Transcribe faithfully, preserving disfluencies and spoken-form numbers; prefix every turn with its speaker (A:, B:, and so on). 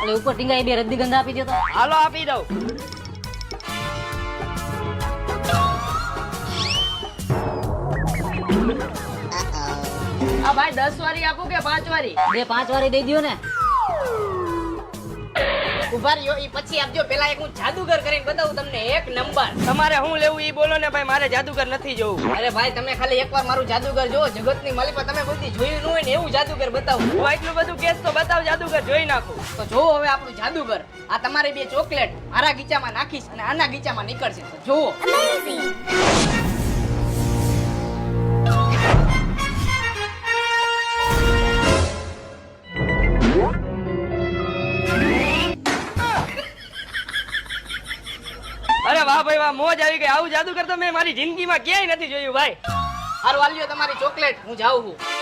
A: એટલે ઉપર ટીંગાઈ બે રજનીગંધા આપી દો તો.
B: હાલો આપી દઉં. આ ભાઈ દસ વારી આપું કે પાંચ વારી?
A: બે પાંચ વાળી દઈ દ્યો ને.
C: ઉભા રહ્યો, ઈ પછી આપજો. પેલા એક હું જાદુગર કરીને બતાવું તમને એક નંબર.
B: તમારે શું લેવું ઈ બોલો ને ભાઈ, મારે જાદુગર નથી જોવું.
C: અરે ભાઈ તમે ખાલી એકવાર મારું જાદુગર જોવો, જગતની માલિકા તમે બધી જોયું ન હોય ને એવું જાદુગર બતાવું.
B: હું એટલું બધું કેસ તો બતાવ, જાદુગર જોઈ નાખું.
C: તો જોવો હવે આપણું જાદુગર. આ તમારી બે ચોકલેટ આરા ગીચામાં નાખીશ અને આના ગીચામાં નીકળશે. તો જોવો.
B: અરે વાહ ભાઈ વાહ, મોજ આવી ગઈ. આવું જાદુગર તો મેં મારી જિંદગીમાં ક્યાંય નથી જોયું ભાઈ.
C: હારું આલ્યો તમારી ચોકલેટ, હું જાઉં છું.